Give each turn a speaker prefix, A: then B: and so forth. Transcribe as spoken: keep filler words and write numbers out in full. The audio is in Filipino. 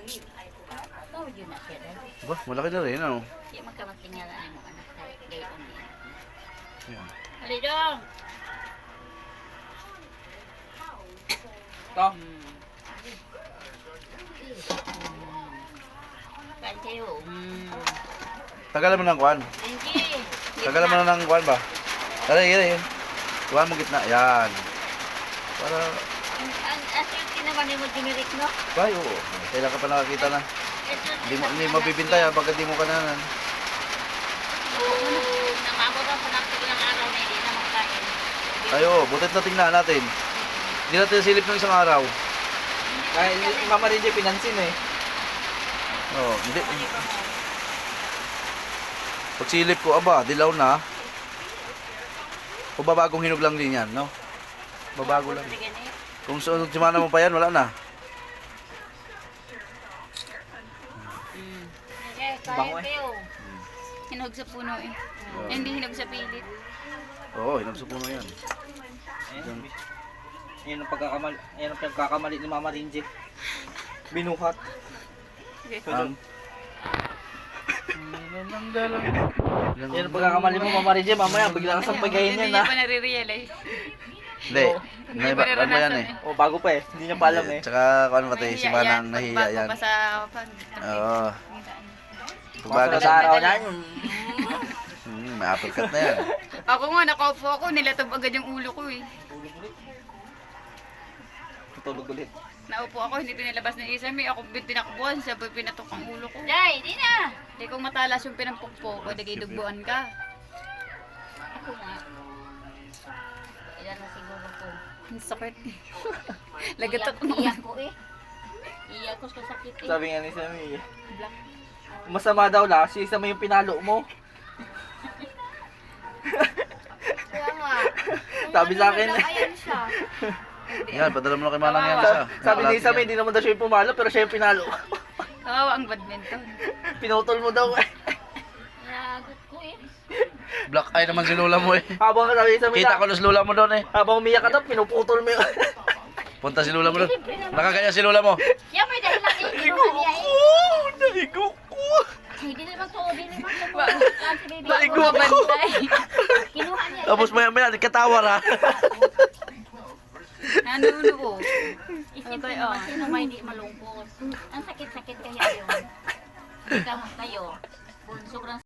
A: Tawag yun na siya rin.
B: Ba, malaki na rin, ano?
A: Hindi magkamatingalan mo anak tayo. Gayon niya.
B: Yan.
A: Halidong!
C: Ito.
A: Hmm. Kain kayo. Hmm.
B: Tagalan mo ng kwan.
A: Angie!
B: Tagalan mo na ng kwan ba? Tara, yun, yun. Kuhan mo gitna. Yan. Para...
A: Ang ang aswerte naman yung generic, no?
B: Ay, oo. Kailan ka pa nakakita na. Hindi mo, hindi mabibintay ha, pagka di mo kananan.
A: Oo. Namababa pa natin ilang araw na hindi na makain.
B: Ay, oo. Butit na tingnan natin. Hindi natin silip ng isang araw.
C: Kaya yung mama rin dyan pinansin eh.
B: Oo, hindi. Pag silip ko, aba, dilaw na. O babagong hinog lang din yan, no? Babago lang. Kung sunod simana mo pa yan, wala na.
A: Mm. Okay,
C: Bango
A: kain
C: eh.
A: kayo. Hinog sa puno eh. Hindi hinog sa pilit.
B: Oo, hinog sa puno yan.
C: Ayan. Yan ang pagkakamali, yan ang pagkakamali ni Mama Rinje. Binuhat.
B: Ang...
C: Yan ang pagkakamali mo Mama Rinje, mamaya bigla ka sa pagayin
A: Hindi
C: yan
A: niya
C: ha.
A: pa nare-realize.
B: Hindi. Ano ba, ano ba yan eh?
C: O bago pa eh, hindi niya pa alam eh.
B: Tsaka kung ano ba tayo, si Manang nahiya yan.
A: Bago pa sa pan.
B: Oo.
C: Pagbago
B: Pagbago
C: sa
B: sa...
C: araw na yun.
B: Hmm, may uppercut na yan.
A: Ako nga, nakaupo ako, nilatob agad yung ulo ko eh.
C: Tutulog ulit.
A: Naupo ako, hindi pinalabas ng isa. May ako pinakbuhan, sabay pinatok ang ulo ko. Day, di na! Hindi kong matalas yung pinampukpo ko, hindi dugbuan ka. Ako nga. Ilan na siguro ko. Ang sakit. Lagatot mo. Iyak ko eh. Iyak ko sa sakit eh.
C: Sabi nga ni Sammy,
A: Black.
C: masama daw lang, si Sammy yung pinalo mo.
A: Kaya nga.
C: Sabi sa akin.
A: Ayan siya.
B: Yan, padala mo na kay Manang yan isa.
C: Sabi ni Sammy, hindi naman daw siya yung pumalo, pero siya yung pinalo.
A: Kawawa ang badminton.
C: Pinutol mo daw eh.
A: Nagot ko eh.
B: Black eye naman si Lola mo eh.
C: Habang sabi ni Sammy,
B: Kita ko na si Lola mo doon eh.
C: habang umiyak ka daw, pinuputol mo yun.
B: Punta si Lola mo doon. Nakagaya si Lola mo.
A: Yan may dahilan eh.
C: Naligo ko! Naligo ko!
A: Hindi naman to, hindi naman to. Kasi baby
C: Naligo
A: ako
C: ako.
A: mabantay. Kinuha niya.
B: Tapos maya maya, katawar ha.
A: Nanuno ko. Isip ko naman, sino may hindi malungkot. Ang sakit-sakit kaya yun. Gamot kayo. Sobrang